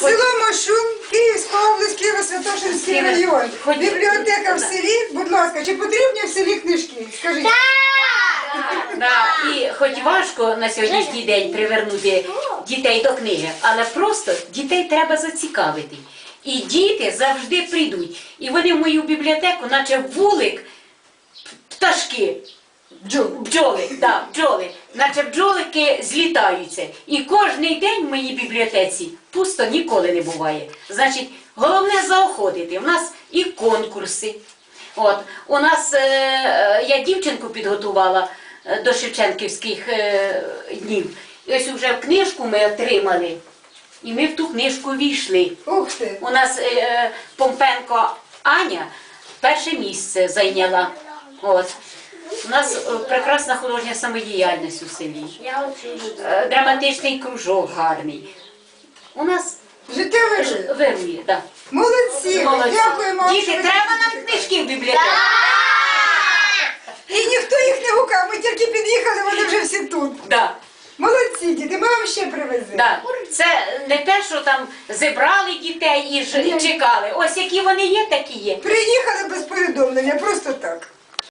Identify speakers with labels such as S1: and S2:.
S1: Село Машун, Київська область, Києво-Святошинський район. Бібліотека в селі, будь ласка, чи потрібні в селі книжки? Скажіть.
S2: Да, і хоч важко на сьогоднішній день привернути дітей до книги, але просто дітей треба зацікавити. І діти завжди прийдуть. І вони в мою бібліотеку, наче вулик, пташки, бджоли, наче бджолики злітаються. І кожен день в моїй бібліотеці пусто ніколи не буває. Значить, головне заохотити. У нас і конкурси. От, у нас, я дівчинку підготувала до Шевченківських днів. І ось вже книжку ми отримали. І ми в ту книжку війшли.
S1: Ух ти!
S2: У нас Помпенко Аня перше місце зайняла. От. У нас прекрасна художня самодіяльність у селі. Драматичний кружок гарний. У нас
S1: Життя вирує.
S2: вирує, так.
S1: Молодці! Дякуємо вам.
S2: Діти, треба нам книжки в бібліотеку.
S1: І ніхто їх не гукав, ми тільки під'їхали, вони вже всі тут.
S2: Да.
S1: Молодці, діти, ми вам ще привеземо.
S2: Да. Це не те, що там зібрали дітей і чекали. Ось які вони є, такі є.
S1: Приїхали без повідомлення, просто так.